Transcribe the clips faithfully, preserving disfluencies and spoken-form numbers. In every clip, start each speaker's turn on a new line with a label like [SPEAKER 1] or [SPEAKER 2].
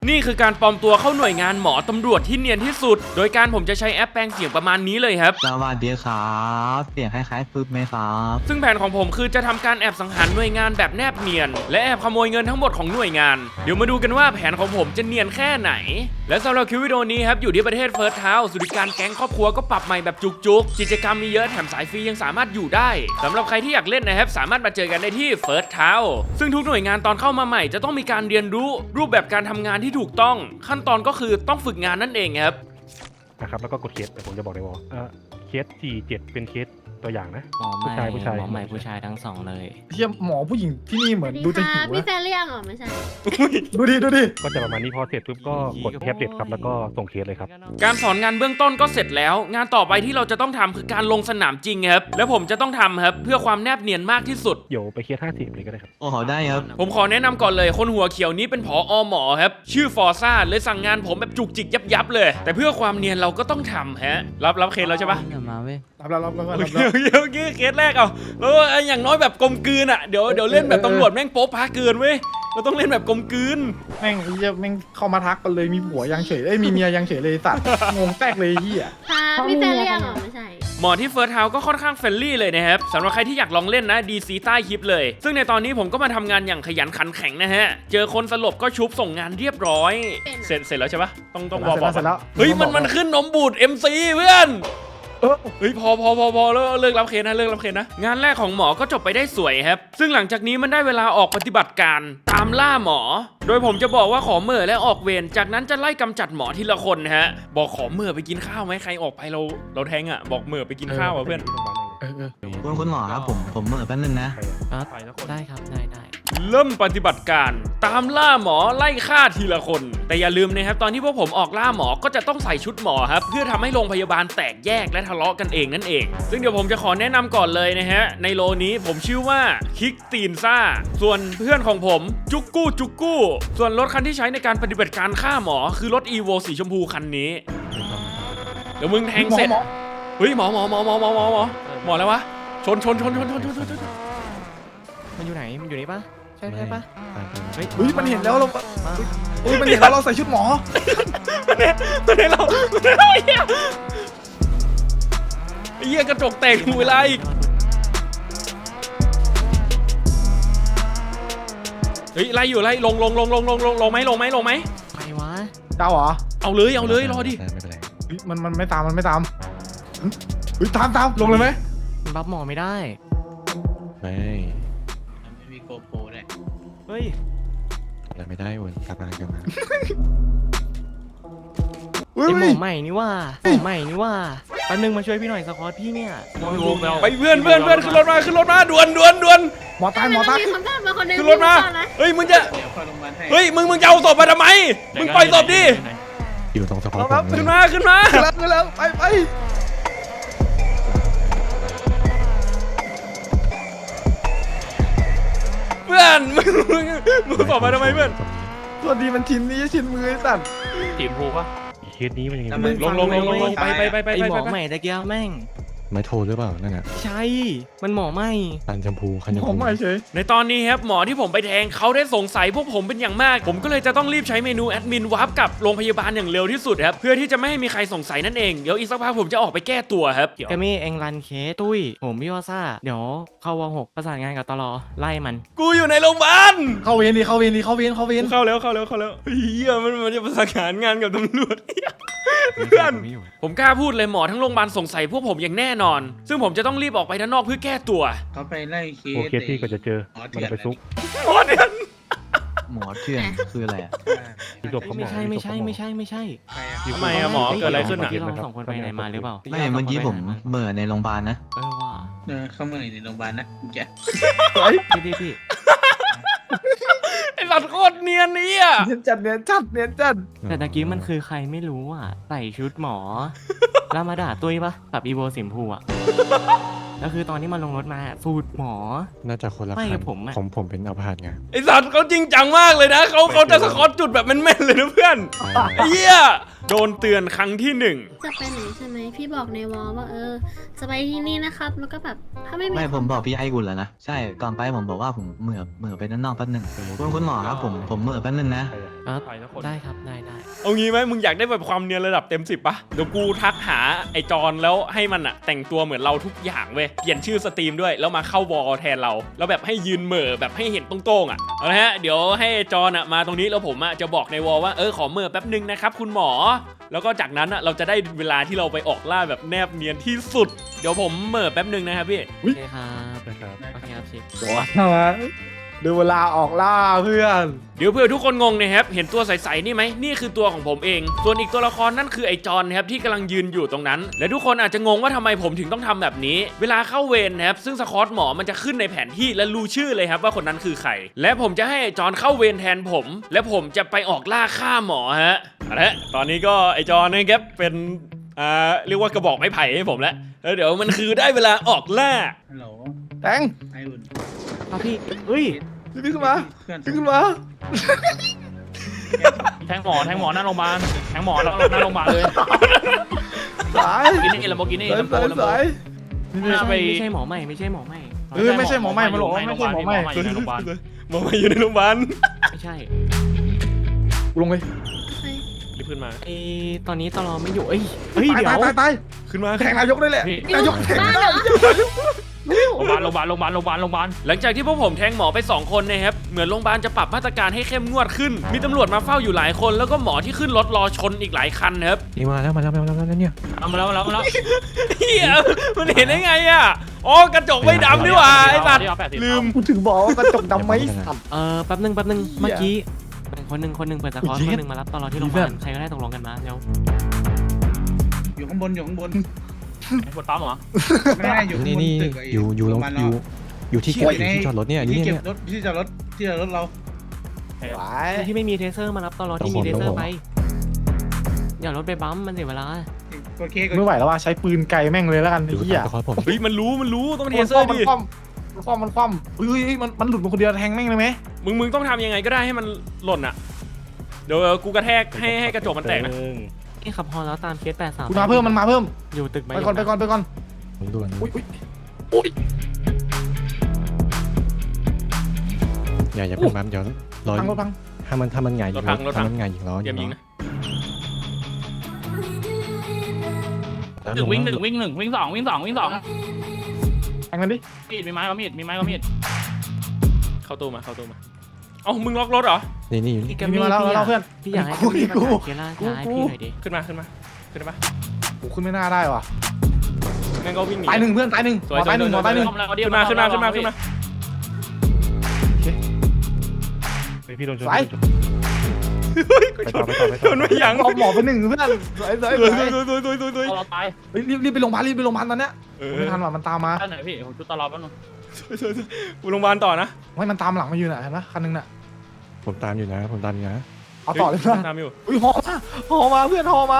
[SPEAKER 1] นี่คือการปลอมตัวเข้าหน่วยงานหมอตำรวจที่เนียนที่สุดโดยการผมจะใช้แอปแปลงเสียงประมาณนี้เลยครับ
[SPEAKER 2] สวัสดีครับเสียงคล้ายๆฟึบไหมครับ
[SPEAKER 1] ซึ่งแผนของผมคือจะทำการแอบสังหารหน่วยงานแบบแนบเนียนและแอบขโมยเงินทั้งหมดของหน่วยงานเดี๋ยวมาดูกันว่าแผนของผมจะเนียนแค่ไหนและสำหรับคลิปวิดีโอนี้ครับอยู่ที่ประเทศเฟิร์สเทาส์สุริการแก๊งครอบครัวก็ปรับใหม่แบบจุกๆกิจกรรมมีเยอะแถมสายฟรียังสามารถอยู่ได้สำหรับใครที่อยากเล่นนะครับสามารถมาเจอกันได้ที่เฟิร์สเทาส์ซึ่งทุกหน่วยงานตอนเข้ามาใหม่จะต้องมีการเรียนรู้รูปแบบการทำงานที่ถูกต้องขั้นตอนก็คือต้องฝึกงานนั่นเองครับ
[SPEAKER 3] นะครับแล้วก็กดเคสแต่ผมจะบอกในวอลเออเคสสี่เจ็ดเป็นเคสตัวอย่างนะ
[SPEAKER 4] หมอใหม่
[SPEAKER 3] ผู้ชายผู้ชาย
[SPEAKER 4] หมอใหม่ผู้ชายทั้งสองเลย
[SPEAKER 5] เทียมหมอผู้หญิงที่นี่เหมือนดูจะหิว
[SPEAKER 6] พี่
[SPEAKER 5] นะ
[SPEAKER 6] แฟเรียงเหรอไม่ใช่
[SPEAKER 5] ดูดิดูดิ
[SPEAKER 3] ก็จะประมาณนี้พอเสร็จปุ๊บก็กดแท็บเล็ตครับแล้วก็ส่งเคสเลยครับ
[SPEAKER 1] การสอนงานเบื้องต้นก็เสร็จแล้วงานต่อไปที่เราจะต้องทำคือการลงสนามจริงครับแล้วผมจะต้องทำครับเพื่อความแนบเนียนมากที่สุด
[SPEAKER 3] เดี๋ยวไปเคสห้าสิบเลยก็ได้ครับ
[SPEAKER 2] โอ้โหได้ครับ
[SPEAKER 1] ผมขอแนะนำก่อนเลยคนหัวเขียวนี้เป็นผอหมอครับชื่อฟอร์ซ่าเลยสั่งงานผมแบบจุกจิกยับยับเลย แต่เพื่อความเนียนเราก็ต้องทำฮะรับรับเคสแล้วใช่ปะ
[SPEAKER 4] เดี๋ยวมาเว้ย
[SPEAKER 5] รับแล้วรับแล้วรับ
[SPEAKER 1] โอ
[SPEAKER 5] แล้ว
[SPEAKER 1] เคโอเคโอเคเคสแรกเอาแล้วอย่างน้อยแบบกลมกลืนอ่ะเดี๋ยวเดี๋ยวเล่นแบบตำรวจแม่งโป๊ะพาเกินเว้ยเราต้องเล่นแบบกลมกลืน
[SPEAKER 5] แม่งไอ้เหี้ยแม่งเข้ามาทักกันเลยมีผัวยังเฉยเอ้ยมีเมียยังเฉยเลยสัตว์งงแตกเลยไอ้เหี้ย
[SPEAKER 6] ค่ะพี่แฟเรียงเหรอไม่ใช่
[SPEAKER 1] หมอที่เฟิร์สเฮาส์ก็ค่อนข้างเฟรนลี่เลยนะครับสำหรับใครที่อยากลองเล่นนะดีซีใต้คลิปเลยซึ่งในตอนนี้ผมก็มาทำงานอย่างขยันขันแข็งนะฮะเจอคนสลบก็ชุบส่งงานเรียบร้อยเสร็จเสร็จแล้วใช่ปะต้องต้องบอกบอก
[SPEAKER 5] เสร็จแล้ว
[SPEAKER 1] เฮ้ยมันมันขึ้นนมบูด เอ็ม ซี เพื่อน
[SPEAKER 5] เออ
[SPEAKER 1] เฮ้ยพอพอพอพอแล้วเลิกรับเคสนะเลิกรับเคสนะงานแรกของหมอก็จบไปได้สวยครับซึ่งหลังจากนี้มันได้เวลาออกปฏิบัติการตามล่าหมอ โดยผมจะบอกว่าขอเมื่อและออกเวรจากนั้นจะไล่กำจัดหมอทีละคนฮะบอกขอเมื่อไปกินข้าวไหมใครออกไปเราเราแทงอ่ะบอกเมื่อไปกินข้าวอ่ะเพื่อน
[SPEAKER 5] เออเออ
[SPEAKER 2] คุณคุณหมอครับผมผมเหมื่อแป๊บนึงนะ
[SPEAKER 4] ครับได้ครับได้ได้
[SPEAKER 1] เริ่มปฏิบัติการตามล่าหมอไล่ฆ่าทีละคน แต่อย่าลืมนะครับตอนที่พวกผมออกล่าหมอก็จะต้องใส่ชุดหมอครับเพื่อทำให้โรงพยาบาลแตกแยกและทะเลาะกันเองนั่นเองซึ่งเดี๋ยวผมจะขอแนะนำก่อนเลยนะฮะในโลนี้ผมชื่อว่าคิกตีนซ่าส่วนเพื่อนของผมจุกกู้จุกกู้ส่วนรถคันที่ใช้ในการปฏิบัติการฆ่าหมอคือรถ อี โว สีชมพูคันนี้เดี๋ยวมึงแทงเสร็จ
[SPEAKER 5] หมอ
[SPEAKER 1] เฮ้ยหมอหมอหมอหมอหมอหมอหมอหมอแล้ววะชนชนชนชนชนชนชนชน
[SPEAKER 4] มันอยู่ไหนมันอยู่นี่ปะใช่ใช่ปะเฮ้ย
[SPEAKER 5] เฮ้ยมันเห็นแล้วเรา
[SPEAKER 4] มา
[SPEAKER 5] เฮ้ยมันเห็นแล้วเราใส่ชุดหมอ
[SPEAKER 1] มันเนี่ยมันเนี่ยเรามันเนี่ยเราไอ้เหี้ยไอ้เหี้ยกระจกแตกหูเวลาอีกเฮ้ยไล่อยู่ไล่ลงลงลงลงลงลงลงไหมลงไหมลงไหม
[SPEAKER 4] ใครวะ
[SPEAKER 5] เจ้าเหรอ
[SPEAKER 1] เอาเลยเอาเลยรอดิ
[SPEAKER 2] ไม่เป็นไร
[SPEAKER 5] เฮ้ยมันมันไม่ตามมันไม่ตามเฮ้ยตามตามลงเลยไหม
[SPEAKER 4] มันบัฟหมอไม่ได้
[SPEAKER 2] ไม่
[SPEAKER 7] ไม่มีโกโปรด้วย
[SPEAKER 4] เฮ้ย
[SPEAKER 2] อะไรไม่ได้วนกลับมากลับมา
[SPEAKER 5] เฮ้ย
[SPEAKER 4] ไอหมอใหม่นี่ว่าหมอใหม่นี่ว่าแป๊บนึงมาช่วยพี่หน่อยสควอตพี่เนี่ย
[SPEAKER 1] ไปเพื่อนเพื่อนเพื่อนขึ้นรถมาขึ้นรถมาด่วนด่วนด่วน
[SPEAKER 5] หมอตายหมอตาย
[SPEAKER 6] มีคนพลาดมาคนหนึง
[SPEAKER 1] ขึ้นรถมาเฮ้ยมึงจะ
[SPEAKER 7] เดี๋ยวเข้าโรงพยาบาลให้
[SPEAKER 1] เฮ้ยมึงมึงจะเอาศพมาทำไมมึงปล่อยศพดิ
[SPEAKER 2] อยู่ตรงสะพาน
[SPEAKER 5] ครับ
[SPEAKER 1] ขึ้นมาขึ้นมา
[SPEAKER 5] ขึ้นแล้วขึ้นแล้วไปไป
[SPEAKER 1] เพื่อนมึงมึงมึงศพมาทำไมเพื่อน
[SPEAKER 5] สวัสดีมันชินนี้ชินมือไอ้สัตว์
[SPEAKER 1] ทีมภูปะ
[SPEAKER 3] อีกเคสนี้มันยังไง
[SPEAKER 7] ทำไม
[SPEAKER 1] ลงลงลงลงลงไปไปไปไป
[SPEAKER 4] ไอ
[SPEAKER 1] ไป
[SPEAKER 4] หมอ
[SPEAKER 1] ไป
[SPEAKER 4] ใหม่ตะเกียบแม่ง
[SPEAKER 2] ไม่โทรหรือเปล่านั่นน่ะ
[SPEAKER 4] ใช่มันหมอใหม่
[SPEAKER 2] ตันชมพูคันชม
[SPEAKER 5] หมอ
[SPEAKER 2] พู
[SPEAKER 5] ใหม่เฉย
[SPEAKER 1] ในตอนนี้ครับหมอที่ผมไปแทงเขาได้สงสัยพวกผมเป็นอย่างมาก ผมก็เลยจะต้องรีบใช้เมนูแอดมินวาร์ปกับโรงพยาบาลอย่างเร็วที่สุดครับเพื่อที่จะไม่ให้มีใครสงสัยนั่นเองเดี๋ยวอีกสักพักผมจะออกไปแก้ตัวครับ
[SPEAKER 4] แกมี่เองรันเคสตุ้ยผมพี่วอซ่าเดี๋ยวเข้าวหกประสานงานกับตลอไล่มัน
[SPEAKER 1] กูอยู่ในโรงพยาบาล
[SPEAKER 5] เข้าเวรดีเข้าเวรดีเข้าเวรเข้าเวร
[SPEAKER 1] เข้าแล้วเข้าแล้วเข้าแล้วเฮียมันมันจะประสานงานกับตำรวจเพื่อนผมกล้าพูดเลยหมอทั้งโรงพยาบาลสงสัยพวกผมอย่างแน่นอน ซึ่งผมจะต้องรีบออกไปด้านนอกเพื่อแก้ตัว
[SPEAKER 7] เขาไปไล่เคส
[SPEAKER 3] โอเคสที่ก็จะเจอ
[SPEAKER 7] หมอ
[SPEAKER 3] มัน
[SPEAKER 7] เถื่อน
[SPEAKER 3] ไปซุก
[SPEAKER 1] โอ้เดือน
[SPEAKER 2] หมอเถื่อนคืออะไรอะ
[SPEAKER 3] มีศพเขาหม
[SPEAKER 4] ไม่
[SPEAKER 3] อ
[SPEAKER 4] ใช่ไม่ใช่ไม่ใช่ไม่ใช่
[SPEAKER 7] ใครอะ
[SPEAKER 1] ทำไมอะหมอเกิดอะไรขึ้นอะ
[SPEAKER 4] ที่เราสองคนไปไหนมาหรือเปล่า
[SPEAKER 2] ไม่เมื่อกี้ผมเหมื่อในโรงพยาบาลนะ
[SPEAKER 4] เออว่า
[SPEAKER 7] เออเข้ามาในโรงพยาบาลนะแก
[SPEAKER 4] พี่พี่พี่
[SPEAKER 1] ไอ้สัตว์โคตรเนียนนี่อ่ะ
[SPEAKER 5] เนียนจัดเนียนจัดเนียนจัด
[SPEAKER 4] แต่ตะกี้มันคือใครไม่รู้อ่ะใส่ชุดหมอ แล้วมาด่าตุ้ยปะกับอีโวสิมพูอ่ะ แล้วคือตอนที่มันลงรถมาสูตรหมอ
[SPEAKER 2] น่าจะคนละ
[SPEAKER 4] ไม่
[SPEAKER 2] คั
[SPEAKER 4] กับผมอะ
[SPEAKER 2] ผมผมเป็นอัพาร์ตไง
[SPEAKER 1] ไอ้สัตว์เขาจริงจังมากเลยนะเขาเขาจะสะกอตจุดแบบแม่นๆเลยนะเพื่อนไอ้เหี้ยโดนเตือนครั้งที่หนึ่ง
[SPEAKER 6] จะไปไหนใช่ไหมพี่บอกในวอลว่าเออจะไปที่นี่นะครับแล้วก็แบบถ้าไม่มี
[SPEAKER 2] ไม่ผมบอกพี่ไอ้กุลแล้วนะใช่ก่อนไปผมบอกว่าผมเหมื่อเหมื่อไปด้านนอกแป๊บนึงคุณคุณหมอครับผมผมเหมื่อแป๊บนึงนะ
[SPEAKER 3] ใครอะ
[SPEAKER 4] อ่ะ
[SPEAKER 3] ใครสักคน
[SPEAKER 4] ได้ครับได้ได้
[SPEAKER 1] เอางี้ไหมมึงอยากได้แบบความเนียนระดับเต็มสิบปะเดี๋ยวกูทักหาไอจอนแล้วให้มันอะแต่งตัวเหมือนเราทุกอย่างเว้ยเปลี่ยนชื่อสตรีมด้วยแล้วมาเข้าวอลแทนเราแล้วแบบให้ยืนเหม่อแบบให้เห็นตรงๆอะเอาละฮะเดี๋ยวให้จอนอะมาตรงนี้แล้วผมอะจะบอกในวอลว่าเออขอเหม่อแป๊บนึงนะครับคุณหมอแล้วก็จากนั้นอะเราจะได้เวลาที่เราไปออกล่าแบบแนบเนียนที่สุดเดี๋ยวผมเหม่อแป๊บนึงนะครับพี่
[SPEAKER 4] โอเคครับ
[SPEAKER 3] นะครับ
[SPEAKER 4] โอเคครับชิค
[SPEAKER 5] ว้าวดูเวลาออกล่าเพื่อน
[SPEAKER 1] เดี๋ยวเพื่อทุกคนงงนะครับเห็นตัวใสๆนี่ไหมนี่คือตัวของผมเองส่วนอีกตัวละครนั่นคือไอจอนนะครับที่กำลังยืนอยู่ตรงนั้น และทุกคนอาจจะงงว่าทำไมผมถึงต้องทำแบบนี้ เวลาเข้าเวรนะครับซึ่งสคอตหมอมันจะขึ้นในแผนที่และรู้ชื่อเลยครับว่าคนนั้นคือใครและผมจะให้ไอจอนเข้าเวรแทนผม และผมจะไปออกล่าฆ่าหมอฮะเอาละตอนนี้ก็ไอจอนนะครับเป็นอ่าเรียกว่ากระบอกไม้ไผ่ให้ผมแล้วแล้วเดี๋ยวมันคือได้เวลาออกล่า
[SPEAKER 7] ฮัลโหล
[SPEAKER 5] แตง
[SPEAKER 7] ไออุ่น
[SPEAKER 4] ครับพี่เฮ้ย
[SPEAKER 5] พี่ขึ้นมา
[SPEAKER 7] เพื่อน
[SPEAKER 5] พี่ขึ้นมา
[SPEAKER 8] แทงหมอแทงหมอหน้าโรงพยาบาลแทงหมอแล้วหน้าโรงพยาบาลเลย
[SPEAKER 5] สาย
[SPEAKER 8] กินนี่ลำโบกินี่
[SPEAKER 5] สาย
[SPEAKER 8] ลำโบ
[SPEAKER 5] สาย
[SPEAKER 8] ลำโบ
[SPEAKER 5] สาย
[SPEAKER 4] ไม่ใช่ไม่ใช่หมอใหม่ไม่ใช่หมอใหม่
[SPEAKER 5] เออไม่ใช่หมอใหม่มาหรอกไม่ใช่หมอใหม่
[SPEAKER 8] อยู่ในโรงพยาบาล
[SPEAKER 1] หมอมาอยู่ในโรงพยาบาล
[SPEAKER 4] ไม่ใช่
[SPEAKER 5] กูลงเลย
[SPEAKER 6] เฮ้ย
[SPEAKER 1] รีบขึ้นมา
[SPEAKER 4] ไอตอนนี้ตลอไม่อยู่เอ้ยเฮ้ย
[SPEAKER 5] ตาย
[SPEAKER 4] เดี๋ย
[SPEAKER 5] ตายว ตายตาย
[SPEAKER 1] ขึ้นมา
[SPEAKER 5] แทงนายกได้แหละ
[SPEAKER 8] พี่
[SPEAKER 5] นายกแทง
[SPEAKER 6] บ้าน
[SPEAKER 5] ได้
[SPEAKER 6] เหรอ
[SPEAKER 8] โรงพยาบาลโรงพยาบาลโรงพยาบาลโรงพยาบาลโรงพยาบาล
[SPEAKER 1] หลังจากที่พวกผมแทงหมอไปสองคนนะครับเหมือนโรงพยาบาลจะปรับมาตรการให้เข้มงวดขึ้น มีตำรวจมาเฝ้าอยู่หลายคนแล้วก็หมอที่ขึ้นรถรอชนอีกหลายคันนะครับ
[SPEAKER 2] นี่มาแล้วมาแล้วมาแล้วมาแล้วเนี่ย
[SPEAKER 8] เอามาแล้วมาแล้วมาแล้ว
[SPEAKER 1] เฮียมันเห็นได้ไงอ่ะอ๋อกระจกไม่ดำนี่หว่าไอ้สัตว์
[SPEAKER 8] เดี๋ยวแปดสิบ
[SPEAKER 1] ลืม
[SPEAKER 5] กูถึงบอกว่ากระจกดำไหมสัตว์
[SPEAKER 4] เออแป๊บนึงแป๊บนึงเมื่อกี้คนหนึ่งคนหนึ่งเปิดสคอร์
[SPEAKER 5] เย็ด
[SPEAKER 4] คนหนึ่งมารับตลอดที่โรงพยาบาลใครก็ได้ตกลงกันมาเร็ว
[SPEAKER 7] อยู่ข้างบนอยู่ข้างบน
[SPEAKER 8] ปวดปั๊มเหรอ
[SPEAKER 7] ไม่ได้อยู่ข้าง
[SPEAKER 2] นี่
[SPEAKER 7] บน
[SPEAKER 2] นี่
[SPEAKER 7] ตึก
[SPEAKER 2] อยู่อยู่
[SPEAKER 7] โร
[SPEAKER 2] ล
[SPEAKER 7] ง
[SPEAKER 2] ง
[SPEAKER 7] พยาบาล
[SPEAKER 2] อ
[SPEAKER 7] เรา
[SPEAKER 2] ยู่อยู่ที่เก็บอยู่ที่จอดรถเนี่ยนี่
[SPEAKER 7] ที่เก็บ
[SPEAKER 2] เนี่ย
[SPEAKER 7] รถที่จอดรถที่จอดรถเรา
[SPEAKER 5] ไหว
[SPEAKER 4] ที่ไม่มีเทเซอร์มารับตลอดที่มีเทเซอร์ไปอย่ารถไปบัมมันเสียเวลา
[SPEAKER 7] กดเคกด
[SPEAKER 5] ไม่ไหวแล้วว่าใช้ปืนไกลแม่งเลยแล้วกัน
[SPEAKER 2] อ
[SPEAKER 5] ไอ้
[SPEAKER 2] ยู่
[SPEAKER 5] เหี้ย
[SPEAKER 2] ตามคอร์สผม
[SPEAKER 1] เฮ้ยมันรู้มันรู้ต้องเท
[SPEAKER 5] มัน
[SPEAKER 1] เซ
[SPEAKER 5] ค
[SPEAKER 1] อ
[SPEAKER 5] ว่ำ
[SPEAKER 1] ร์
[SPEAKER 5] มัน
[SPEAKER 1] ดิ
[SPEAKER 5] คว่ำมันคว่ำมันคว่ำเฮ้ยมันมันหลุดมาคนเดียวแทงแม่งเลยไหม
[SPEAKER 1] มึงมึงต้องทำยังไงก็ได้ให้มันหล่นอ่ะเดี๋ยวกูกระแทกให้ให้กระจกมันแตกนะ
[SPEAKER 4] นี่ขับพอแล้วตามเคสแปดสาม
[SPEAKER 5] กูมาเพิ่มมันมาเพิ่ม
[SPEAKER 4] อยู่ตึก
[SPEAKER 5] ไปก่อนไปก่อนไปก่อน
[SPEAKER 2] ผมดูกัน
[SPEAKER 5] อุ้ยอุ้ยอุ้ย
[SPEAKER 2] อย่าอย่าเพิ่งบัมเดี๋ยวรอ
[SPEAKER 5] พังรถพัง
[SPEAKER 2] ถ้ามันถ้ามันหงายยิงถ้ามันหงายยิงล้อ
[SPEAKER 1] เตรียมยิงนะ
[SPEAKER 2] แล้ว
[SPEAKER 8] ห
[SPEAKER 2] ล
[SPEAKER 8] นึ่
[SPEAKER 2] ง
[SPEAKER 8] งวิ่งหนึ่งวิ่งหนึ่งวิ่งสองวิ่งสองวิ่งสอง
[SPEAKER 5] แทงมันดิ
[SPEAKER 8] มีดมีไม้ก็มีดมีไม้ก็มีด
[SPEAKER 1] เข้าตู้มาเข้าตู้มาเอ้ามึงล็อกรถเหรอ
[SPEAKER 2] นี่นี่อยู่
[SPEAKER 4] พี่
[SPEAKER 2] นี่
[SPEAKER 4] กัม
[SPEAKER 5] มี
[SPEAKER 4] มี่
[SPEAKER 5] มาแล้ว
[SPEAKER 4] พี่
[SPEAKER 5] มาแล้วเพื่อน
[SPEAKER 4] พี่อยากให้
[SPEAKER 5] กู
[SPEAKER 4] กัมมี่
[SPEAKER 5] กู
[SPEAKER 4] มาเคล่า
[SPEAKER 5] กู
[SPEAKER 4] ช้าให้พี่หน่อยดิ
[SPEAKER 1] ขึ้นมาขึ้นมาขึ้นได้ปะ
[SPEAKER 5] กูขึ้นไม่น่าได้ว่ะ
[SPEAKER 1] แม่งก็วิ่งหนี
[SPEAKER 5] ตายหนึ่งเพื่อนตายหนึ่งหมอตายหนึ่งหมอตายหนึ่ง
[SPEAKER 1] ขึ้นมาขึ้นมาขึ้นมาขึ้นมา
[SPEAKER 3] ไปพี่โดนชน
[SPEAKER 5] สาย
[SPEAKER 3] ไปต่อไปต่อไป
[SPEAKER 1] ช
[SPEAKER 3] ต่อน
[SPEAKER 1] ไม่ยั้ง
[SPEAKER 5] เอาหมอไปหนึ่งเพื่อนสวยสวย
[SPEAKER 1] ตุ
[SPEAKER 5] ส
[SPEAKER 1] ย
[SPEAKER 5] วย
[SPEAKER 1] ตุยตุยตุยตุยตุย
[SPEAKER 8] เราตาย
[SPEAKER 5] เฮ้ยรีบรีบไปโรงพยาบาลรีบไปโรงพยาบาลตอนเนี้ย
[SPEAKER 1] เออ
[SPEAKER 5] ไม่ทันว่ะมันตามมา
[SPEAKER 8] ท่านไหนพี่ผมจุดตลอดแป๊บนึง
[SPEAKER 1] กูโรงพยาบาลต่อนะ
[SPEAKER 5] ไม่มันตามหลังมาอยู่น่ะเห็นปะคันหนึงน่ะ
[SPEAKER 2] ผมตามอยู่นะผมตามอยู่นะ
[SPEAKER 5] เอาต่อเลยเพื่อน
[SPEAKER 1] ตามอยู่
[SPEAKER 5] อุ้ยหอมาหอมาเพื่อนหอมา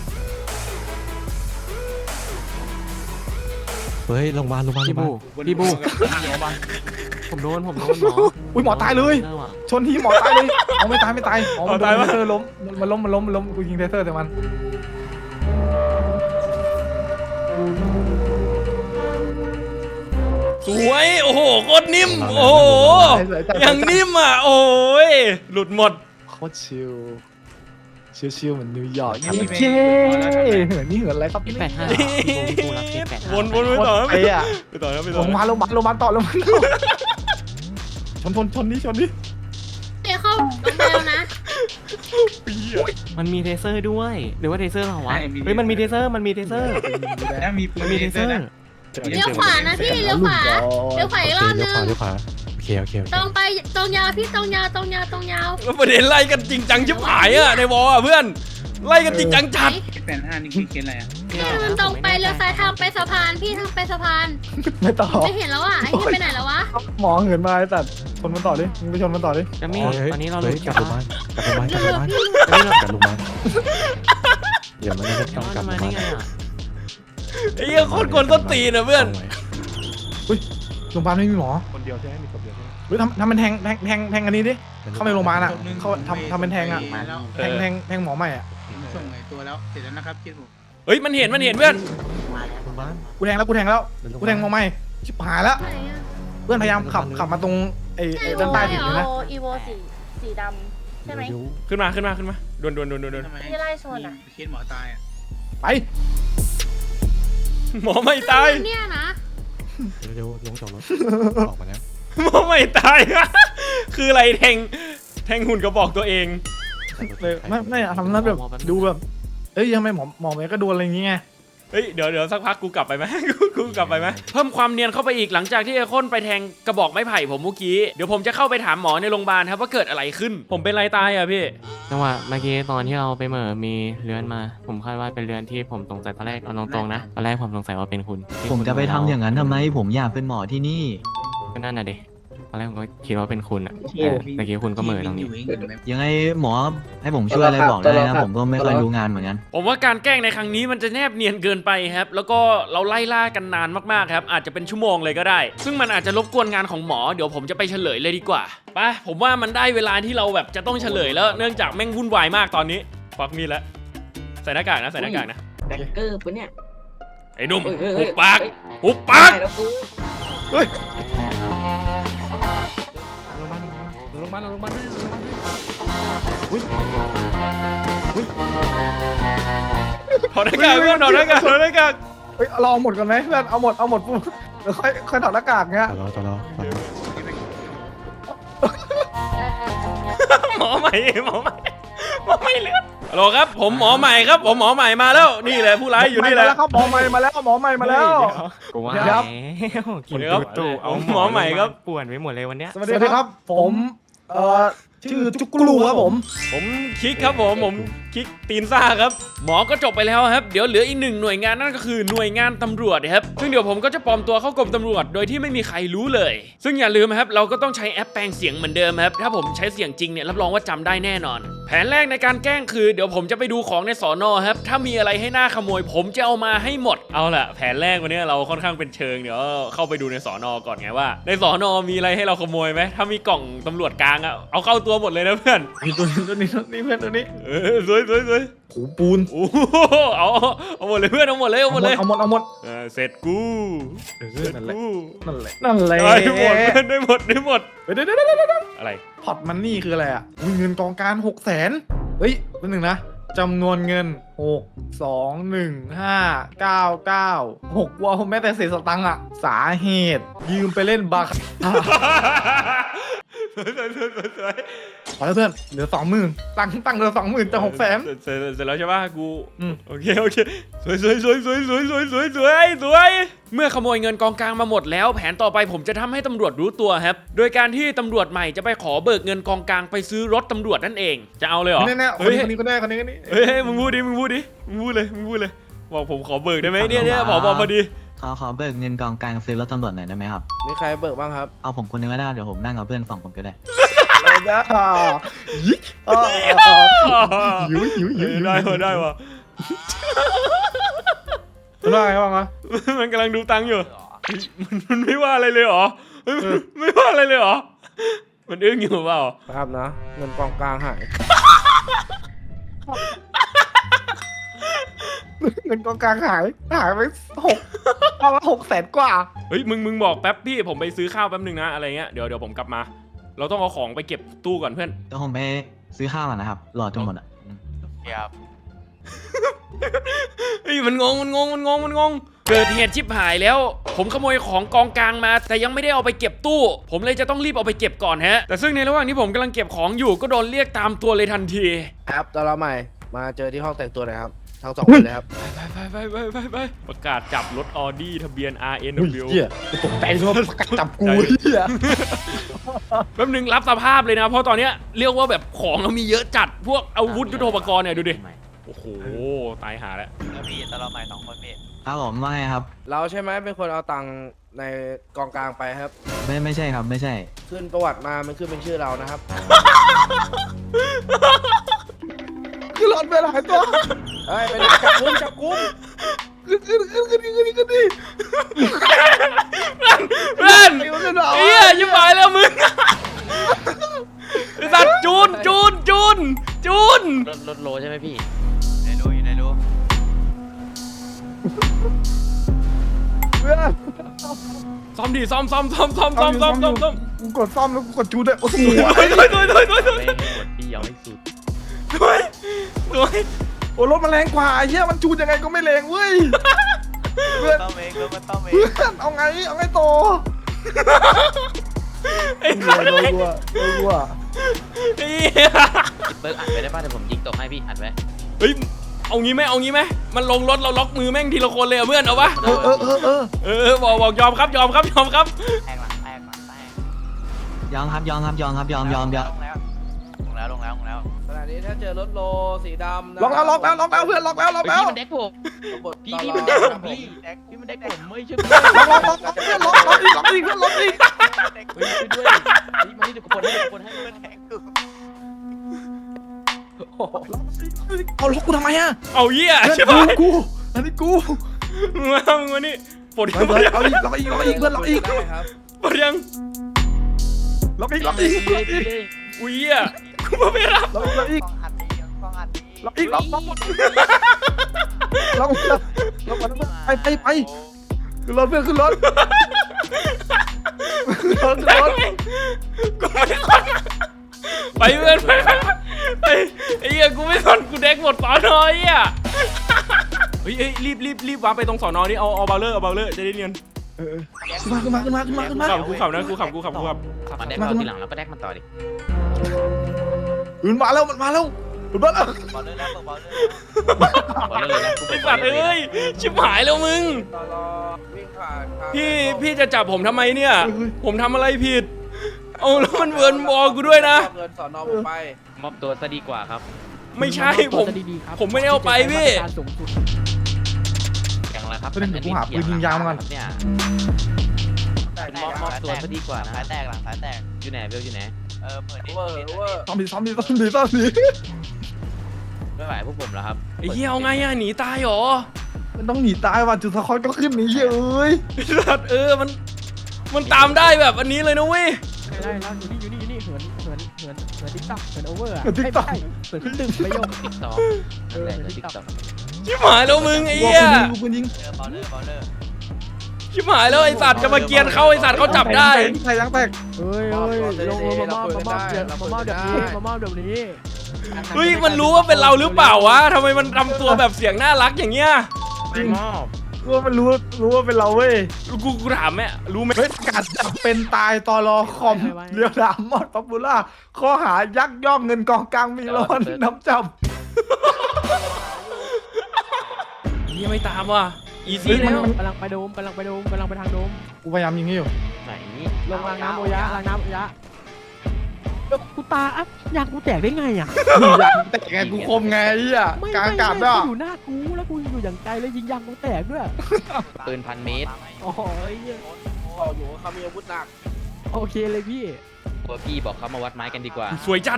[SPEAKER 2] เฮ้ยโรงพยาบาลโรงพยาบาล
[SPEAKER 4] พี่บู
[SPEAKER 7] บน
[SPEAKER 4] พี่บู
[SPEAKER 8] โรงพยาบาล
[SPEAKER 4] ผมโดนผมโดนหมอ
[SPEAKER 5] อุ้ยหมอตายเลย
[SPEAKER 4] เลิกว่ะ
[SPEAKER 5] ชนทีหมอตายเลยเอาไม่ตายไม่ตายอ๋อมันโดนเทเซอร์ล้มมันล้มมันล้มมันล้มกูยิงเทเซอร์แต่มัน
[SPEAKER 1] สวยโอ้โหโคตรนิ่มโอ้โหยังนิ่มอ่ะโอ้ยหลุดหมด
[SPEAKER 5] โคตรชิลชิลชิลเหมือนนิวยอร์ก
[SPEAKER 7] ทำไม่เป็น
[SPEAKER 5] เย้เหมือนนี่เหมือนอะไรครับ
[SPEAKER 4] เคสแปดห้าพี่บูรับเคสแปดห้า
[SPEAKER 1] วนวนไป
[SPEAKER 5] โคต
[SPEAKER 1] ต่อ
[SPEAKER 5] รไปอ่ะ
[SPEAKER 1] ไปต่อนะไป
[SPEAKER 5] ล
[SPEAKER 1] ต่อง
[SPEAKER 5] มาลงมาลงมาต่อลงมาต่อชนชนชนนี่ชนนี่
[SPEAKER 6] เดี๋ยวเข้าโรงพยาบาลนะ
[SPEAKER 4] มันมีเทเซอร์ด้วย หรือว่าเทเซอร์เราวะเฮ้ยมันมีเทเซอร์มันมีเทเซอร์
[SPEAKER 7] แล้วมีปื
[SPEAKER 4] มัน นมีเทเซอร์
[SPEAKER 7] นะ
[SPEAKER 6] เลี้ยวขวานะพี่เลี้ยวขวาเลี้ยวขวาอีกรอบ
[SPEAKER 2] เลี้
[SPEAKER 6] นึ
[SPEAKER 2] ยว
[SPEAKER 6] ง
[SPEAKER 2] ขวาเลี้ยวขวาโอเคโอเคโอเค
[SPEAKER 6] ตรงไปตรงยาวพี่ตรงยาวตรงยาวตรงยาว
[SPEAKER 1] แล้วประเด็นไล่กันจริงจังชิบหายอ่ะในวอลอ่ะเพื่อนไล่กันจริงจังจัด
[SPEAKER 7] แปดห้านี่คือเคสอะไรอ่ะ
[SPEAKER 6] พี่มันตรงไปเลี้ยวซ้ายทางไปสะพานพี่ทางไปสะพาน
[SPEAKER 5] ไม่ต่อ
[SPEAKER 6] ไม่เห็นแล้วอ่ะไอ้ที่ไปไหนแล้ววะ
[SPEAKER 5] หมอเหินมาไอ้สัตว์ชนมันต่อดิมึงไปชนมันต่อดิ
[SPEAKER 4] กัมมี่ตอนนี้เรา
[SPEAKER 2] เฮ้
[SPEAKER 4] ลุ้
[SPEAKER 2] ย
[SPEAKER 4] น
[SPEAKER 2] กลั
[SPEAKER 4] กับ
[SPEAKER 2] โรงพยาบา
[SPEAKER 4] ว่า
[SPEAKER 2] ลกลับโรงพยาบาลกลับโรงพยาบาลกลับโรงพยาบาลเดี๋ยวมันจะต้องกลับโรงพ
[SPEAKER 4] มาย
[SPEAKER 2] า
[SPEAKER 4] ได้
[SPEAKER 2] บาล
[SPEAKER 4] ไงอ่ะ
[SPEAKER 1] ไอ้เหี้ยโคตรกวนส้นตีนนะเพื่อน
[SPEAKER 5] โรงพยาบาลไม่มีหมอ
[SPEAKER 3] คนเดียวใช่ไหมมีคนเดียวใช่ไหม
[SPEAKER 5] เฮ้ยทำทำเป็นแทงแทงแทงแทงอันนี้ดิเข้าไปโรงพยาบาลอ่ะเข้าทำทำเป็นแทงอ่ะ
[SPEAKER 7] มาแล้ว
[SPEAKER 5] แทงแทงแทงหมอใหม่อ่ะ
[SPEAKER 7] ส่งไอ้ตัวแล้วเสร็จแล้วนะครับเคสผม
[SPEAKER 1] เฮ้ยมันเห็นมันเห็นเพื่อน
[SPEAKER 2] โรงพยาบาล
[SPEAKER 5] กูแทงแล้วกูแทงแล้วกูแทงหมอใหม่ชิบหายแล้ว
[SPEAKER 6] ไหนอะ
[SPEAKER 5] เพื่อนพยายามขับขับมาตรงไอ้ไอ้ด้านใต้ถึงเลยนะ
[SPEAKER 9] อีโวสีสีดใช่ไหม
[SPEAKER 2] เดี๋ยว
[SPEAKER 1] ขึ้นมาขึ้นมาขึ้นมาดวนดวนดวนดวนดวน
[SPEAKER 7] ทำไม
[SPEAKER 9] ที่ไล่ชนอ่ะ
[SPEAKER 7] เคสหมอตายอ่ะ
[SPEAKER 5] ไป
[SPEAKER 1] หมอไม่ตาย
[SPEAKER 6] เนี่ยนะ
[SPEAKER 2] เดี๋ยวลงจากรถออกมาแล้ว
[SPEAKER 1] หมอไม่ตาย คืออะไรแทงแทงหุ่นกระบอกตัวเอง
[SPEAKER 5] เลยไม่ไม่ทำนั้นแบบดูแบบเอ้ยทำไมหมอหมอเมย์ก็โดนอะไรอย่างเงี้ย
[SPEAKER 1] เฮ้ยเดี๋ยวเดี๋ยวสักพักกูกลับไปไหม กูกูกลับไปไหมเพิ่มความเนียนเข้าไปอีกหลังจากที่ไอ้ข้นไปแทงกระบอกไม้ไผ่ผมเมื่อกี้เดี๋ยวผมจะเข้าไปถามหมอในโรงพยาบาลครับว่าเกิดอะไรขึ้น ผมเป็นไรตายอ่ะพี่
[SPEAKER 4] จังหวะเมื่อกี้ตอนที่เราไปเหม่อมีเรือนมา ผมคาดว่าเป็นเรือนที่ผมสงสัยตอนแรกเอาตรงๆนะตอนแรกผมสงสัยว่าเป็นคุณที่
[SPEAKER 10] ผมจะไปทำอย่างนั้นทำไมผมอยากเป็นหมอที่นี่
[SPEAKER 4] ก็นั่นน่ะดิตอนแรกผมก็คิดว่าเป็นคุณอ่ะแต่เมื่อกี้คุณก็เหม่อตรงนี้
[SPEAKER 10] ยังไงหมอให้ผมช่วยอะไรบอกได้นะ ผมก็ไม่ค่อยรู้งานเหมือนกัน
[SPEAKER 1] ผมว่าการแกล้งในครั้งนี้มันจะแนบเนียนเกินไปครับแล้วก็เราไล่ล่ากันนานมากๆครับอาจจะเป็นชั่วโมงเลยก็ได้ ซึ่งมันอาจจะรบกวนงานของหมอเดี๋ยวผมจะไปเฉลยเลยดีกว่าไปผมว่ามันได้เวลาที่เราแบบจะต้องเฉลยแล้วเนื่องจากแม่งวุ่นวายมากตอนนี้ควักมีดแล้วใส่หน้ากากนะใส่หน้ากากนะ
[SPEAKER 9] แบงเกอร์ปะเนี่ย
[SPEAKER 1] ไอ้หนุ่ม
[SPEAKER 9] เฮ้ยเฮ้ย
[SPEAKER 1] หุบปาก
[SPEAKER 9] เฮ้ย
[SPEAKER 1] หุบปาก
[SPEAKER 9] ได้แล้วกู
[SPEAKER 2] ลงมาลงมาลงมา
[SPEAKER 1] ถอดหน้ากากเพื่อนถอดหน้ากากถอดหน้ากาก
[SPEAKER 5] เฮ้ยเราเอาหมดกันไหมเพื่อนเอาหมดเอาหมดปุ๊บเดี๋ยวค่อยค่อยถอดหน้ากากเงี้ย
[SPEAKER 2] ต่อรอต่อรอต่อรอ
[SPEAKER 1] หมอใหม่หมอใหม่หมอใหม่เลือดฮัลโหลครับผมหมอใหม่ครับผมหมอใหม่มาแล้วนี่แหละผู้ร้ายอยู่นี่แหละ
[SPEAKER 5] มาแล้วครับหมอใหม่มาแล้วหมอใหม่มาแล้ว
[SPEAKER 4] กูว่า
[SPEAKER 5] เดี๋ยว
[SPEAKER 4] แล้วกิน
[SPEAKER 1] เดี๋ยว
[SPEAKER 4] ตุ๊ตู่เอา
[SPEAKER 1] หมอใหม่ครับ
[SPEAKER 4] ป่วนไปหมดเลยวันเนี้ย
[SPEAKER 5] สวัสดีครับ ผมเอ่อชื่อจุกกลูครับผม
[SPEAKER 1] ผมคิกครับผมผมคิกตีนซ่าครับหมอก็จบไปแล้วครับเดี๋ยวเหลืออีกหนึ่งหน่วยงานนั่นก็คือหน่วยงานตำรวจครับซึ่งเดี๋ยวผมก็จะปลอมตัวเข้ากรมตำรวจโดยที่ไม่มีใครรู้เลย ซึ่งอย่าลืมครับเราก็ต้องใช้แอปแปลงเสียงเหมือนเดิมครับถ้าผมใช้เสียงจริงเนี่ยรับรองว่าจำได้แน่นอน แผนแรกในการแกล้งคือเดี๋ยวผมจะไปดูของในสอนอครับถ้ามีอะไรให้หน่าขโมย ผมจะเอามาให้หมดเอาล่ะแผนแรกวันนี้เราค่อนข้างเป็นเชิงเดี๋ยวเข้าไปดูในสอนอก่อนไงว่า ในสอนอมีอะไรให้เราขโมยไหมถ้ามีกล่องตำรวจกลางอะเอาเข้าตัวหมดเลยนะเพื่อน
[SPEAKER 5] มีตัวนี้ตัวนี้ตัวนี้เพื่อนตัวนี้
[SPEAKER 1] เออสวยสวยสวย
[SPEAKER 5] หูปูน
[SPEAKER 1] โอ้โหเอาเอาหมดเลยเพื่อนเอาหมดเลยเอาหมดเลย
[SPEAKER 5] เอาหมดเอาหมด
[SPEAKER 1] เออเสร็จกู
[SPEAKER 5] เออ
[SPEAKER 1] เสร็จ
[SPEAKER 5] นั่นแหละ
[SPEAKER 1] กู
[SPEAKER 5] นั่นแหละนั่นแหละ
[SPEAKER 1] ได้หมดเพื่อนได้หมดได้หมด
[SPEAKER 5] เดี๋ยวเดี๋ยวเดี๋ยวเดี๋ยวเดี๋ยว
[SPEAKER 1] อะไร
[SPEAKER 5] พอร์ตมันนี่คืออะไรอ่ะอุ๊ยเงินกองกลารหกแสนเฮ้ยตัวหนึ่งนะจำนวนเงินหกสองหนึ่งห้าเก้าเก้าหกว่าแม้แต่เศษสตังค์อ่ะสาเหตุยืมไปเล่นบาคา
[SPEAKER 1] สวยสวยสวยสวยสวย
[SPEAKER 5] พอแล้วเพื่อนเหลือสองหมื่นตังค์ตังค์เหลือสองหมื่นจะหกแสน
[SPEAKER 1] เสร็จเสร็จแล้วใช่ป่ะกู
[SPEAKER 5] อืม
[SPEAKER 1] โอเคโอเคสวยสวยสวยสวยสวยสวยสวยสวยสวยเมื่อขโมยเงินกองกลางมาหมดแล้วแผนต่อไปผมจะทำให้ตำรวจรู้ตัวครับโดยการที่ตำรวจใหม่จะไปขอเบิกเงินกองกลางไปซื้อรถตำรวจนั่นเองจะเอาเลยเหรอ
[SPEAKER 5] แน่แน่ๆคน
[SPEAKER 1] เฮ้ย
[SPEAKER 5] นี้คนนี้ก็ได้คนนี้คนนี้
[SPEAKER 1] เฮ้ยเฮ้ยมึงพูดดิมึงพูดดิมึงพูดเลยมึงพูดเลยบอกผมขอเบิกได้ไหมเนี่ยเนี่ยผอพอดี
[SPEAKER 10] ขอขอเบิกเงินกองกลางซื้อรถตำรวจหน่อยได้ไหมครับ
[SPEAKER 11] มีใครเบิกบ้างครับ
[SPEAKER 10] เอาผมคนนึงก็ได้เดี๋ยวผมนั่งกับเพื่อนสองคนก็ได้
[SPEAKER 5] เลยนะยิกอ่าหิวหิวหิวหิว
[SPEAKER 1] ได้วะได้วะ
[SPEAKER 5] ได้ไงบ้างวะ
[SPEAKER 1] มันกำลังดูตังค์อยู่มันมันไม่ว่าอะไรเลยเหรอเฮ้ยไม่ว่าอะไรเลยเหรอมันอึ้งอยู่เปล่า
[SPEAKER 11] ครับนะ เงินกองกลางหาย
[SPEAKER 5] เงินกองกลางหายหายไปหกเอาละหกแสนกว่า
[SPEAKER 1] เฮ้ยมึงมึงบอกแป๊บพี่ผมไปซื้อข้าวแป๊บนึงนะอะไรเงี้ยเดี๋ยวเดี๋ยวผมกลับมา เราต้องเอาของไปเก็บตู้ก่อนเพื่อน
[SPEAKER 10] เดี๋ยวผมไปซื้อข้าวก่อนนะครับ รอจนหมดอ่ะ
[SPEAKER 4] ครับ
[SPEAKER 1] เฮ้ยมันงงมันงงมันงงมันงงเกิดเหตุชิบหายแล้ว ผมขโมยของกองกลางมา แต่ยังไม่ได้เอาไปเก็บตู้ ผมเลยจะต้องรีบเอาไปเก็บก่อนฮะแต่ซึ่งในระหว่างที่ผมกำลังเก็บของอยู่ก็โดนเรียกตามตัวเลยทันที
[SPEAKER 11] ครับตอนเราใหม่ มาเจอที่ห้องแต่งตัวหน่อยครับ ทั้งสองคนเลยครับ
[SPEAKER 1] ไปไปไปไปไปประกาศจับรถออดี้ทะเบียน อาร์ เอ็น
[SPEAKER 5] อุ้ย
[SPEAKER 1] ดับเบิลยู
[SPEAKER 5] เหี้ยตกใจเลยว่าประกาศจับกูเหี้ย
[SPEAKER 1] แป๊บนึงรับสภาพเลยนะเพราะตอนเนี้ยเรียกว่าแบบของเรามีเยอะจัดพวกอาวุธยุทโธปกรณ์เนี่ยดูดิโอ้โหตายหาแล้ว
[SPEAKER 10] ครับผมว่าไงครับ
[SPEAKER 11] เราใช่ไหมเป็นคนเอาตังค์ในกองกลางไปครับ
[SPEAKER 10] ไม่ไม่ใช่ครับไม่ใช่
[SPEAKER 11] ขึ้นประวัติมา มันขึ้นเป็นชื่อเรานะครับ
[SPEAKER 5] คือหลอดไปหลายตัว
[SPEAKER 11] เฮ้ย ไปไหนจับกุมจับกุม
[SPEAKER 5] ขึ้นขึ้นขึ้นขึ้นขึ้นขึ้นดิ
[SPEAKER 1] เพื่อนเฮียยิ่งไปแล้วมึงไอ้สัตว์จูนจูนจูนจูน
[SPEAKER 4] รถรถโลใช่ไหมพี่
[SPEAKER 10] ในรู้อยู่ในรู้
[SPEAKER 5] เพื่อน
[SPEAKER 1] ซ่อมดิซ่อมซ่อมซ่อมซ่อมซ่อมซ่อมซ่อมซ่อม
[SPEAKER 5] กูกดซ่อมแล้วกูกดจูดด้วยโอ้โห
[SPEAKER 1] ถอยถอยถอยถอยถอย
[SPEAKER 4] ไม่หมดพี่
[SPEAKER 8] ยังไม่สุด
[SPEAKER 1] สวยสวย
[SPEAKER 5] โอ้รถมันแรงกว่าไอ้เหี้ยมันจูนยังไงก็ไม่แรงเว้ยเพื่อน
[SPEAKER 11] ต้องเองแล้วมันต้องเอง
[SPEAKER 5] เพื่อนเอาไงเอาไงโต
[SPEAKER 1] ไอ้
[SPEAKER 5] โด
[SPEAKER 1] สัตว์
[SPEAKER 5] นวัวโดนวัว
[SPEAKER 1] ไอ้เหี้ย
[SPEAKER 8] เบิร์กอัดไว้ได้ป่ะเดี๋ยวผมยิงตกให้พี่อัดไว้
[SPEAKER 1] เฮ้ยเอางี้ไหมเอางี้ไหมมันลงรถเราล็อกมือแม่งทีละคนเลยอะเพื่อนเอาปะ
[SPEAKER 5] เออเออเออเออ
[SPEAKER 1] เออเออบอกบอกยอมครับยอมครับยอมครับ
[SPEAKER 11] แทงหลังแทงหลังแทง
[SPEAKER 10] ยอมครับยอมครับยอมครับยอมยอมยอม
[SPEAKER 11] ลงแล้วลงแล้วลงแล้วลงแล้วขณะนี้ถ้าเจอรถโลสีดำนะ
[SPEAKER 5] ล็อกแล้วล็อกแล้วล็อกแล้วเพื่อนล็อกแล้วล็อกแล้ว
[SPEAKER 8] พี่มันเด็กผมพี่พี่มันเด็กผมพี่พี่มันเด็กผมไม่ใช่พี่
[SPEAKER 5] ล็อกล็อกล็อกเพื่อนล็อกล็อกอีกล็อกอีกเพื่อนล็อกอีก
[SPEAKER 8] เฮ้ยช่วยด้วยพี่มานี่เดี๋ยวกดให้เดี๋ยวกดให้มันแทงกู
[SPEAKER 5] เอาล็อกกูทำไมอะ
[SPEAKER 1] เอาเหี้ย
[SPEAKER 5] เพื่อน
[SPEAKER 1] ใช่ปะ
[SPEAKER 5] กูอันนี้กู
[SPEAKER 1] มึงมามึงมานี่ปวด
[SPEAKER 5] ไป
[SPEAKER 1] ยัง
[SPEAKER 5] เพื่อนเอาอีกล็อกอีกล็อกอีกเพื่อนล็อกอีก
[SPEAKER 11] ได้ครับ
[SPEAKER 1] ปวดยัง
[SPEAKER 5] ล็อกอีกล็อกอีกล็อกอีก
[SPEAKER 1] อุ้ยเหี้ยกูไม่รับ
[SPEAKER 5] ล็อกล็อกอีก
[SPEAKER 11] ฟองอัดดีฟองอัดดี
[SPEAKER 5] ล็อกอีกล็อกล็อกล็อกล็อกล็อกไปไปไปขึ้นรถเพื่อนขึ้นรถขึ้นรถขึ้นรถ
[SPEAKER 1] กูไม่สนไปเพื่อนไปไปไปไอ้เหี้ยกูไม่สนกูแดกหมดสอนอยอ่ะเฮ้ยเฮ้ยรีบรีบรีบวาร์ปไปตรงสอนอนี่เอาเอาเบลเลอร์เอาเบลเลอร์จะได้เนียน
[SPEAKER 5] เออขึ้นมาขึ้นมาขึ้นมาขึ้นมาขึ้นมา
[SPEAKER 1] ขับกูขับนะกูขับกูขับกูขับ
[SPEAKER 8] มันเด็กเราทีหลังแล้วก็แดกมันต่อดิ
[SPEAKER 5] มันมาแล้วมันมาแล้วมันมาแล้ว
[SPEAKER 11] บอลเลยนะบอลเลย
[SPEAKER 8] บอลเลยนะกู
[SPEAKER 1] ไอ้สัตว์เอ้ยชิบหายแล้วมึง
[SPEAKER 11] ตลอดวิ่งผ่านทาง
[SPEAKER 1] พี่พี่จะจับผมทำไมเนี่ย ผมทำอะไรผิดเอาแล้วมันเวิร์นบอลกูด้วยนะ
[SPEAKER 11] เงินสอนอผมไป
[SPEAKER 8] มอบตัวซะดีกว่าครับ
[SPEAKER 1] ไม่ใช่ผมผมไม่ได้เอาไปพี่
[SPEAKER 8] อย่างไรครับ
[SPEAKER 5] ประเด็นเดี๋ยวกูหาปืนยิงยางมาก่อน
[SPEAKER 8] เนี่ย
[SPEAKER 11] แตก
[SPEAKER 8] มอบมอบตัวซะดีกว่านะ
[SPEAKER 11] สายแตกหลังสายแตก
[SPEAKER 8] อยู่ไหนเบลอยู่ไหน
[SPEAKER 11] เออเปิดดิเวอร์เวอร์
[SPEAKER 5] ซ้อมดีซ้อมดีซ้อมดีซ้อมดี
[SPEAKER 8] ไม่ไหวพวกผมแล้วครับ
[SPEAKER 1] ไอ้เหี้ยเอาไงอะหนีตายเหรอ
[SPEAKER 5] มันต้องหนีตายว่ะจุดสะคอยก็ขึ้นหนีเอ้ย
[SPEAKER 1] ไอ้สัตว์เออมันมันตามได้แบบอันนี้เลยนะเว้ย
[SPEAKER 9] ได้แล้วอยู่นี่อยู่นี่อยู่นี่เหินเหินเหินเหินติ๊กต็อกเหินโอเวอร์อ่ะ
[SPEAKER 5] ติ๊กต็อก
[SPEAKER 9] เหินขึ้นตึกไม่ยก
[SPEAKER 8] ติ๊กต็อกนั่นแหละติ๊กต็อก
[SPEAKER 1] ชิบหายแล้วมึงไอ้เหี้ย
[SPEAKER 5] กูปืนยิง
[SPEAKER 11] เจอบอลเลอร์บอลเลอร์
[SPEAKER 1] ชิบหายแล้วไอ้สัตว์จะมาเกียนเข้าไอ้สัตว์เขาจับได้
[SPEAKER 5] ใครยังแตก
[SPEAKER 9] เฮ้ยเฮ้ยลงมามอบมามอบเดี๋ยวมามอบเดี๋ยวนี้มามอบเดี๋ยวนี้
[SPEAKER 1] เฮ้ยมันรู้ว่าเป็นเราหรือเปล่าวะทำไมมันทำตัวแบบเสียงน่ารักอย่างเงี้ย
[SPEAKER 8] ไม่มอบ
[SPEAKER 5] รู้ว่ามันรู้รู้ว่าเป็นเราเว้ย
[SPEAKER 1] กูกูถามแม่รู้ไหม
[SPEAKER 5] เฮ้ยกัดจับเป็นตายตอรอคอมเรียวดามมอดป๊อปปูล่าข้อหายักยอกเงินกองกลางมีร้อนน้ำจับ
[SPEAKER 1] นี่ไม่ตามว่ะอีซี่แล้ว
[SPEAKER 9] กำลังไปโดมกำลังไปโดมกำลังไปทางโดม
[SPEAKER 5] กูพยายามยิงให้อยู่
[SPEAKER 8] ไหน
[SPEAKER 9] ลงรางน้ำโอยะรางน้ำโอยะกูตาอ่ะอยากกูแตกได้ไงอ่ะ
[SPEAKER 5] อยากแต่ไงกูคมไงไอ้เหี้ยกลางอากาศด้วย
[SPEAKER 9] อยู่หน้ากูแล้วกูอยู่อย่างไกลแล้วยิงยางกูแตกด้วย
[SPEAKER 8] ปืนพันเมตร
[SPEAKER 9] โอ้โหไอ้เหี้ย
[SPEAKER 11] บอกอยู่ว่าเขามีอาวุธหนัก
[SPEAKER 9] โอเคเลยพี่
[SPEAKER 8] ตัวพี่บอกเขามาวัดไม้กันดีกว่า
[SPEAKER 1] สวยจัด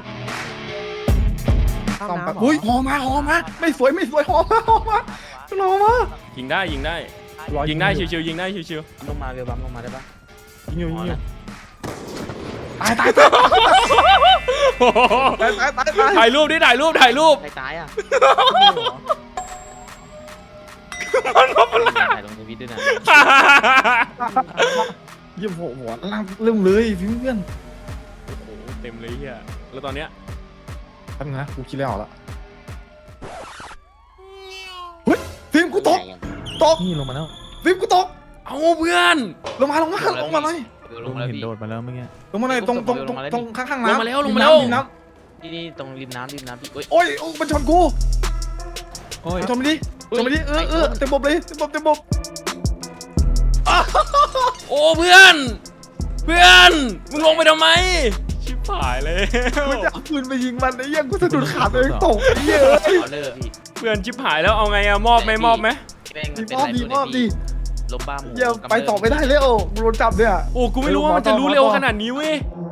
[SPEAKER 5] ต้องแบบอุ้ยหอมาหอมาไม่สวยไม่สวยหอมาหอมาหอมา
[SPEAKER 1] ยิงได้ยิงได้ยิงได้ชิวๆยิงได้ชิว
[SPEAKER 8] ลงมาเบลบัมลงมาได้ปะ
[SPEAKER 5] ยิงอยู่ยิงอยู่ตายตายตายตายตายตายตาย
[SPEAKER 1] ๆถ่ายรูปดิถ่ายรูปถ่ายรูป
[SPEAKER 8] ใครตายอ่ะ
[SPEAKER 1] มันก็เป็น
[SPEAKER 8] ถ่ายลงทวิตด้วยนะ
[SPEAKER 5] เยี่ยมหัวหัวล่างเริ่มเลยเพื่อน
[SPEAKER 1] โอ้โหเต็มเลยเฮียแล้วตอนเนี้ย
[SPEAKER 5] แป๊บนึงนะกูคิดแล้วออกแล้วเฮ้ยฟิล์มกูตกตก
[SPEAKER 2] นี่ลงมาแล้ว
[SPEAKER 5] ฟิล์มกูตก
[SPEAKER 1] เอาเพื่อน
[SPEAKER 5] ลงมาลงมาลงมาเลย
[SPEAKER 8] เบลล
[SPEAKER 2] ลุ
[SPEAKER 8] ง
[SPEAKER 2] ง
[SPEAKER 8] มาแล้ว
[SPEAKER 2] เห็น
[SPEAKER 8] พี่
[SPEAKER 2] โดดมาแล้วเมื่อกี้
[SPEAKER 5] ลงมาเลยตรงตรงตรงตรงข้างข้างน้ำ
[SPEAKER 1] ลงมาแล้วลงมาแล้ว
[SPEAKER 5] ริน้
[SPEAKER 8] ที่นี่ตรงริมน้ำริมน้ำพี่เอ้ย
[SPEAKER 5] ำโอ้ยโอ้ยมันชนกู
[SPEAKER 2] โอ้ย
[SPEAKER 5] ชนไปดิชนไปดิเออเออเต็มบบเลยเต็มบบเต็มบบ
[SPEAKER 1] โอ้เพื่อน เพื่อน มึงลงไปทำไม ชิบหายเลย
[SPEAKER 5] กูจะเอาปืนไปยิงมันไอ้เหี้ยกูสะดุดขาตัวเองตกไอ้เหี้ย
[SPEAKER 8] บอลเลอร์พี่
[SPEAKER 1] เพื่อนชิบหายแล้วเอาไงอะมอบไหมมอบไหม
[SPEAKER 8] แม่ง
[SPEAKER 5] ดี
[SPEAKER 8] เป็น
[SPEAKER 5] มอบ
[SPEAKER 8] ไร
[SPEAKER 5] ดีมอบดี
[SPEAKER 8] ลมบ้าหมู
[SPEAKER 5] เหี้ยไปต่อไม่ได้แล้วกูโดนจับเนี่ย
[SPEAKER 1] โอ้กูไม่รู้ว่ามันจะรู้เร็วขนาดนี้เว้ย
[SPEAKER 5] อื